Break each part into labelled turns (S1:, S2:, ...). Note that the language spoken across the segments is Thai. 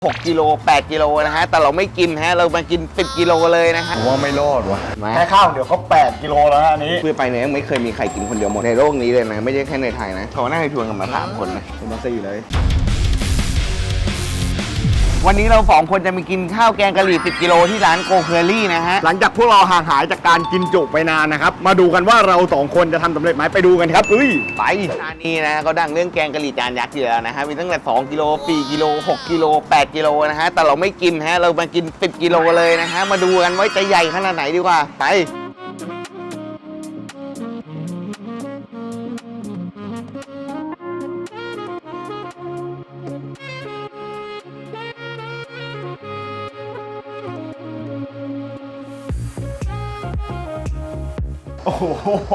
S1: 6 กิโล 8 กิโลนะฮะแต่เราไม่กินฮะเรามากิน10 กิโลเลยนะฮะ
S2: ผมว่าไม่รอดว่ะ
S1: มา
S2: แค่ข้าวเดี๋ยวเขา8 กิโลแล้วอันนี้
S1: เพื่อไปเนี่ยยังไม่เคยมีใครกินคนเดียวหมดในโลกนี้เลยนะไม่ใช่แค่ในไทยนะเขาน่าจะชวนกันมา3 คนนะ
S2: ผมมา4เลย
S1: วันนี้เรา2 คนจะไปกินข้าวแกงกะหรี่10 กิโลที่ร้านโกเคอรี่นะฮะ
S2: หลังจากพวกเราห่างหายจากการกินจุไปนานนะครับมาดูกันว่าเรา2 คนจะทำสำเร็จไหมไปดูกันครับ
S1: ไปร้านนี้นะเขาดังเรื่องแกงกะหรี่จานยักษ์อยู่แล้วนะฮะมีตั้งแต่2 กิโล 4 กิโล 6 กิโล 8 กิโลนะฮะแต่เราไม่กินฮะเรามากิน10 กิโลเลยนะฮะมาดูกันว่าจะใหญ่ขนาดไหนดีกว่าไป
S2: โอ้โห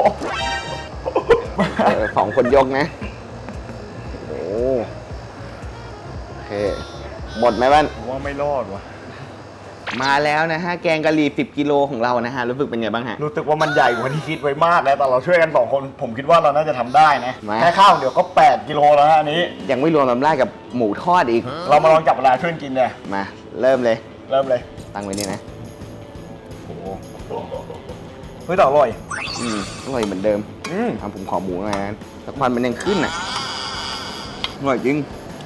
S1: 2 คนยกนะโอ้โอเคหมดไหมบ้าน
S2: ผมว่าไม่รอดว่ะ
S1: มาแล้วนะฮะแกงกะหรี่10 กิโลของเรานะฮะรู้สึกเป็นไงบ้างฮะ
S2: รู้สึกว่ามันใหญ่กว่าที่คิดไว้มากแล้วแต่เราช่วยกัน2 คนผมคิดว่าเราน่าจะทำได้นะ
S1: มา
S2: แค่ข้าวเดี๋ยวก็8 กิโลแล้วอันนี้
S1: ยังไม่รวมน้ำลายกับหมูทอดอีก
S2: เรามาลองจับเวลาช่วยกินเลย
S1: มาเริ่มเลย
S2: เริ่มเลย
S1: ตั้งไว้นี่นะ
S2: โอ้โหเฮ้ยแต่อร่อย
S1: อร่อยเหมือนเดิมผมขอหมูหน่อยนะแต่ควันมันยังขึ้นอ่ะอร่อยจริง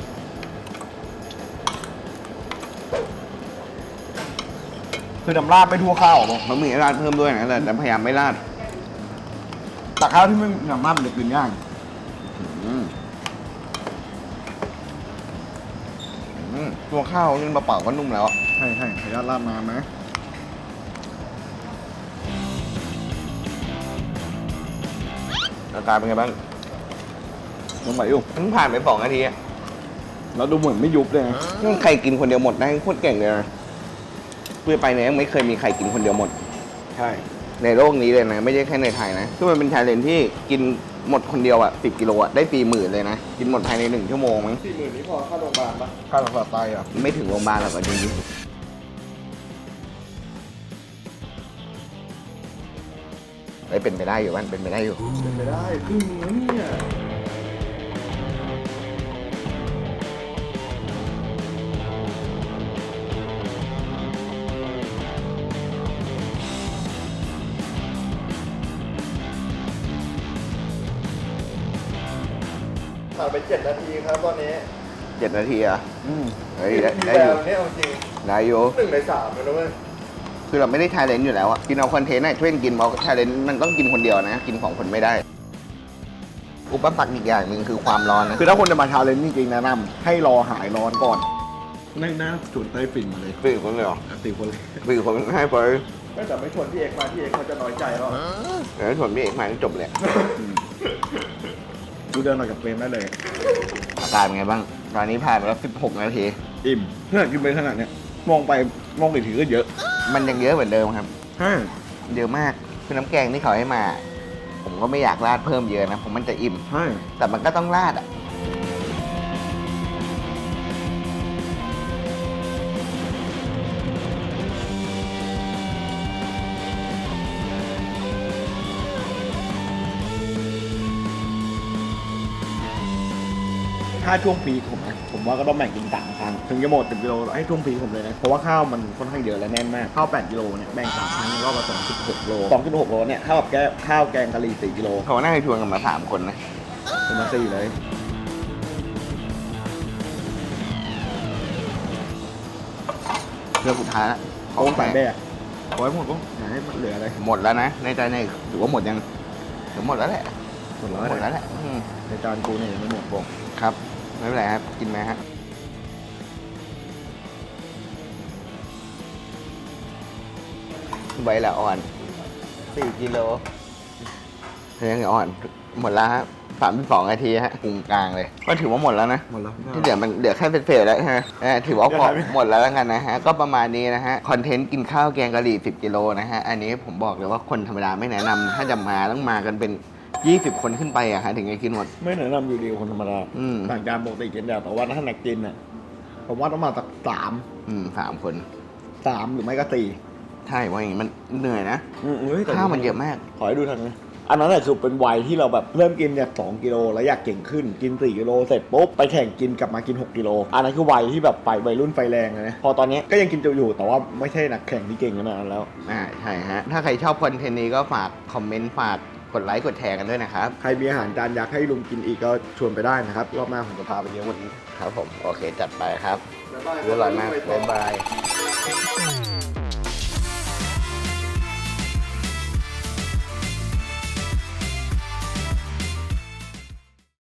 S2: คือน้ำราดไม่ทั่วข้าวหรอก
S1: เขามีราดเพิ่มด้วยนะแต่พยายามไม่ราด
S2: แต่ข้าวที่ไม่มีน้ำราดมันจะกินยาก
S1: ตัวข้าวนี่เปล่าๆก็นุ่มแล้ว
S2: ใช่ขออนุญาตราดน้ำนะ
S1: อาการเป็นไงบ้าง
S2: ลงไปอยู่
S1: เพิ่งผ่านไป2 นาทีอะ
S2: แล้วดูเหมือนไม่ยุบเลยนะ
S1: นี่ใครกินคนเดียวหมดได้โคตรเก่งเลยนะเพื่อไปเนี่ยยังไม่เคยมีใครกินคนเดียวหมด
S2: ใช่
S1: ในโลกนี้เลยนะไม่ใช่แค่ในไทยนะคือมันเป็นชาเลนจ์ที่กินหมดคนเดียวอ่ะ10 กิโลอ่ะได้40,000เลยนะกินหมดภายใน1 ชั่วโมงมั้ง
S2: 40,000นี้พอค่าโรงพยาบาลปะค่ารักษาไตอ่ะ
S1: ไม่ถึงโรงพยาบาลหรอกจริงๆเป็นไปได้อยู่บ้านเป็นไปได้อยู่
S2: เป็นไปได้ครึ่งนึงเนี่ยผ่านไป7 นาทีครับตอนนี้
S1: 7 นาทีอ่ะเฮ้ยได้อยู่
S2: นี่เอาจริง
S1: ได้อยู่
S2: 1 ใน 3เลยนะเว้ย
S1: คือเราไม่ได้ชาเลนจ์อยู่แล้วอ่ะกินเอาคอนเทนต์ให้ช่วยกินเพราะชาเลนจ์มันต้องกินคนเดียวนะกิน2 คนไม่ได้ อุปสรรคอีกอย่างหนึ่งคือความร้อนนะ
S2: คือถ้าคนจะมาชาเลนจ์จริงๆแนะนำให้รอหายร้อนก่อนน่าจุดใต้ฝิ่นมาเลย
S1: 4 คนเลยเหรอ
S2: 4 คนเลย
S1: 4 คนให้ไป
S2: แต่ไม่ชวนพี่เอกมาพี่เอกเขาจะน้อยใจหรอ
S1: แล้วส่วนพี่เอกมาจบเลย
S2: ดูเดินออกจากเฟรมได้เลย
S1: อาการเป็นไงบ้างตอนนี้ผ่านไปแล้ว16 นาที
S2: อิ่มเพื่อนกินไปขนาดเนี้ยมองไปมองอีกทีก็เยอะ
S1: มันยังเยอะเหมือนเดิมครับ
S2: ใช่
S1: เยอะมากคือน้ำแกงที่เขาให้มา ผมก็ไม่อยากราดเพิ่มเยอะนะผมมันจะอิ่ม
S2: ใช่
S1: แต่มันก็ต้องราดอ่ะ
S2: ถ้าช่วงพีคผมว่าก็ต้องแบ่งกิน3 ครั้งถึงจะหมด10 กิโลให้ช่วงพีคผมเลยนะเพราะว่าข้าวมันค่อนข้างเยอะและแน่นมากข้าว8 กิโลเนี่ยแบ่ง3 ครั้งรอบละ2.6 โล 2.6 โลเนี่ยเท่ากับข้าวแกงกะหรี่4 กิโล
S1: เขาน่าจะชวนกันมา3 คนนะ
S2: ผมมา4เลย
S1: เรื่องสุดท้ายละ
S2: เขาใส่แบกขอให้หมดก็อย่าให้มันเหลืออะไร
S1: หมดแล้วนะในใจในถือว่าหมดยังถือหมดแล้วแหละ
S2: หมดแล้ว
S1: หมดแล้วแหละ
S2: ในจานกูเนี่ยยังไม่หมดบอก
S1: ครับไม่เป็นไรครับกินไหมฮะใบละอ่อน4 กิโลยังอ่อนหมดแล้วฮะ32 นาทีฮะกลุ่มกลางเลยก็ถือว่าหมดแล้วนะ
S2: หมดแล้ว
S1: ที่เหลือมันเหลือแค่เศษๆแล้วฮะถือว่าพอหมดแล้วกันนะฮะก็ประมาณนี้นะฮะคอนเทนต์กินข้าวแกงกะหรี่10 กิโลนะฮะอันนี้ผมบอกเลยว่าคนธรรมดาไม่แนะนำถ้าจะมาต้องมากันเป็น20 คนขึ้นไปอะฮะถึงจะกินหมด
S2: ไม่แนะนำอยู่ดีคนธรรมดาต่างจานปกติกินแต่ว่าถ้าหนักกินอ่ะผมว่าต้องมาสัก
S1: 3 คน
S2: 3หรือไม่ก็4
S1: ใช่ว่าอย่างนี้มันเหนื่อยนะ
S2: เฮ้ยแต่
S1: ข้าวมันเยอะมาก
S2: ขอให้ดูทางนี้อันนั้นแหละคือเป็นวัยที่เราแบบเริ่มกินจาก2 กิโลแล้วอยากเก่งขึ้นกิน4 กิโลเสร็จปุ๊บไปแข่งกินกลับมากิน6 กิโลอันนั้นคือวัยที่แบบไปวัยรุ่นไฟแรงนะพอตอนนี้ก็ยังกินอยู่แต่ว่าไม่ใช่นักแข่งที่เก่งขนาดนั้นแล้ว
S1: ใช่ฮะถ้าใครชอบคอนเทนต์นี้ก็ฝากคอมเมนต์ฝากกดไลค์กดแชร์กันด้วยนะครับ
S2: ใครมีอาหารจานยักษ์ให้ลุงกินอีกก็ชวนไปได้นะครับรอบหน้าผมจะพาไปเลี้ยงวันนี้
S1: ครับผมโอเคจัดไปครับอร่อยมากบ๊ายบาย